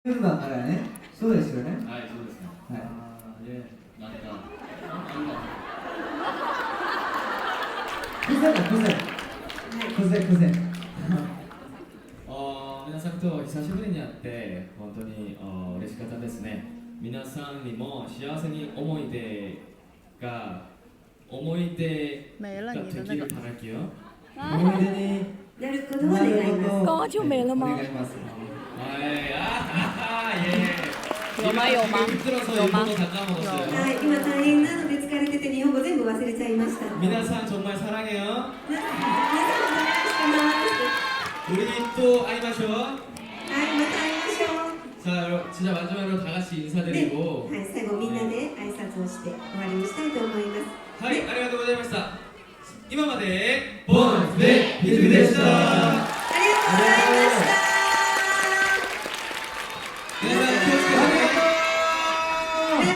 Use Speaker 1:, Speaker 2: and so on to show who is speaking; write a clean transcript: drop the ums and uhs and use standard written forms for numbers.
Speaker 1: メンバーからね、そうですよね。
Speaker 2: はい、そうですね。
Speaker 1: はい。
Speaker 2: なんか、
Speaker 1: クゼだ、クゼ。クゼ、クゼ。
Speaker 2: 皆さんと久しぶりに会って本当に嬉しかったですね。皆さんにも幸せに思い出ができる働きを
Speaker 1: 思い出に
Speaker 3: なることを願います。
Speaker 4: có chú mẹ了
Speaker 1: お
Speaker 4: 吗？
Speaker 1: 願いします。
Speaker 2: はい、
Speaker 4: 有吗有吗有吗
Speaker 3: はい、今大変なので疲れてて日本語全部忘れちゃいました。
Speaker 2: 皆さん정말 사랑해요.
Speaker 3: 皆さんお願いしてます。
Speaker 2: 우리 또会いましょう.
Speaker 3: はい、また会いましょう。
Speaker 2: 자, 진짜 마지막으로 다 같이 인사드리고.
Speaker 3: はい、最後みんなで挨拶をして終わりにしたいと思います。
Speaker 2: はい、ありがとうございました。今までボンでひずきでした。
Speaker 3: ありがとうございました。
Speaker 2: 皆さん